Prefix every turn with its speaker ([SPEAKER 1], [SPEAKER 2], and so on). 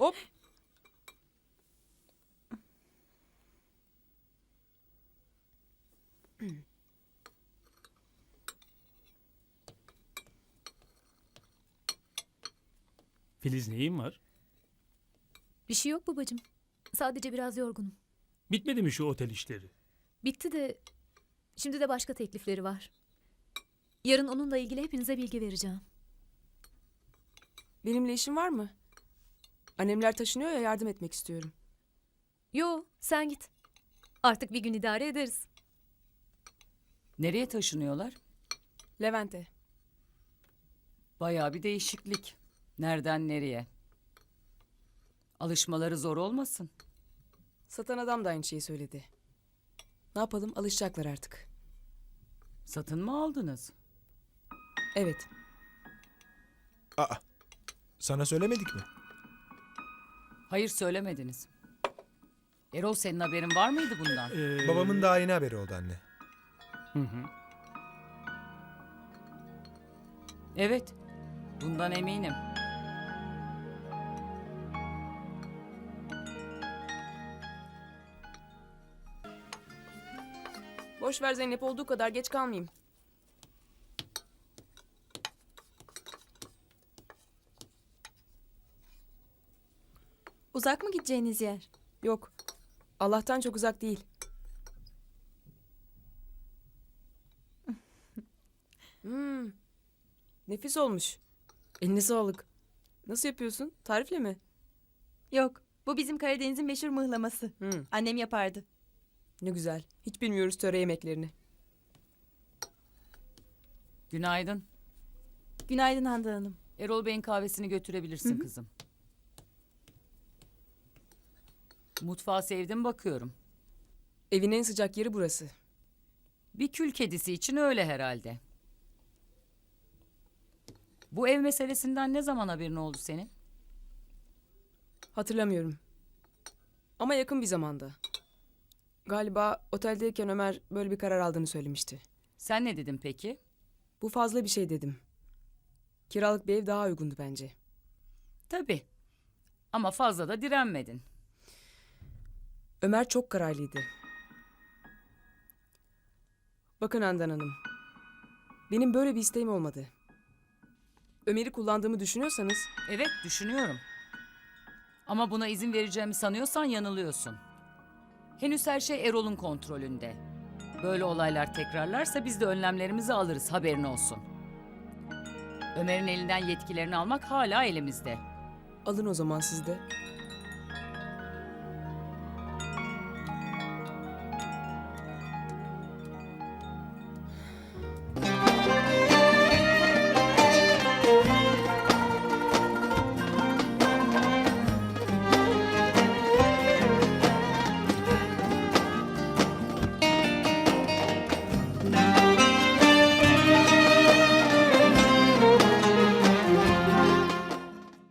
[SPEAKER 1] Hop.
[SPEAKER 2] Filiz neyin var?
[SPEAKER 3] Bir şey yok babacığım. Sadece biraz yorgunum.
[SPEAKER 2] Bitmedi mi şu otel işleri?
[SPEAKER 3] Bitti de şimdi de başka teklifleri var. Yarın onunla ilgili hepinize bilgi vereceğim.
[SPEAKER 1] Benimle işin var mı? Annemler taşınıyor ya, yardım etmek istiyorum.
[SPEAKER 3] Yo, sen git. Artık bir gün idare ederiz.
[SPEAKER 4] Nereye taşınıyorlar?
[SPEAKER 1] Levent'e.
[SPEAKER 4] Bayağı bir değişiklik. Nereden nereye? Alışmaları zor olmasın.
[SPEAKER 1] Satan adam da aynı şeyi söyledi. Ne yapalım, alışacaklar artık.
[SPEAKER 4] Satın mı aldınız?
[SPEAKER 1] Evet.
[SPEAKER 5] Aa, sana söylemedik mi?
[SPEAKER 4] Hayır, söylemediniz. Erol, senin haberin var mıydı bundan?
[SPEAKER 5] Babamın daha yeni haberi oldu anne.
[SPEAKER 2] Hı hı.
[SPEAKER 4] Evet, bundan eminim.
[SPEAKER 1] Boş ver Zeynep, olduğu kadar geç kalmayayım.
[SPEAKER 6] Uzak mı gideceğiniz yer?
[SPEAKER 1] Yok. Allah'tan çok uzak değil. Nefis olmuş. Eline sağlık. Nasıl yapıyorsun? Tarifle mi?
[SPEAKER 6] Yok. Bu bizim Karadeniz'in meşhur mıhlaması.
[SPEAKER 1] Hmm,
[SPEAKER 6] Annem yapardı.
[SPEAKER 1] ne güzel. Hiç bilmiyoruz töre yemeklerini.
[SPEAKER 4] Günaydın.
[SPEAKER 6] Günaydın Handan Hanım.
[SPEAKER 4] Erol Bey'in kahvesini götürebilirsin kızım. Mutfağı sevdim bakıyorum.
[SPEAKER 1] Evin en sıcak yeri burası.
[SPEAKER 4] Bir kül kedisi için öyle herhalde. Bu ev meselesinden ne zaman haberin oldu senin?
[SPEAKER 1] Hatırlamıyorum. Ama yakın bir zamanda. Galiba oteldeyken Ömer böyle bir karar aldığını söylemişti.
[SPEAKER 4] Sen ne dedin peki?
[SPEAKER 1] Bu fazla bir şey dedim. Kiralık bir ev daha uygundu bence.
[SPEAKER 4] Tabii. Ama fazla da direnmedin.
[SPEAKER 1] Ömer çok kararlıydı. Bakın Handan Hanım. Benim böyle bir isteğim olmadı. Ömer'i kullandığımı düşünüyorsanız
[SPEAKER 4] Evet, düşünüyorum. Ama buna izin vereceğimi sanıyorsan yanılıyorsun. Henüz her şey Erol'un kontrolünde. Böyle olaylar tekrarlarsa biz de önlemlerimizi alırız, haberin olsun. Ömer'in elinden yetkilerini almak hala elimizde.
[SPEAKER 1] alın o zaman siz de.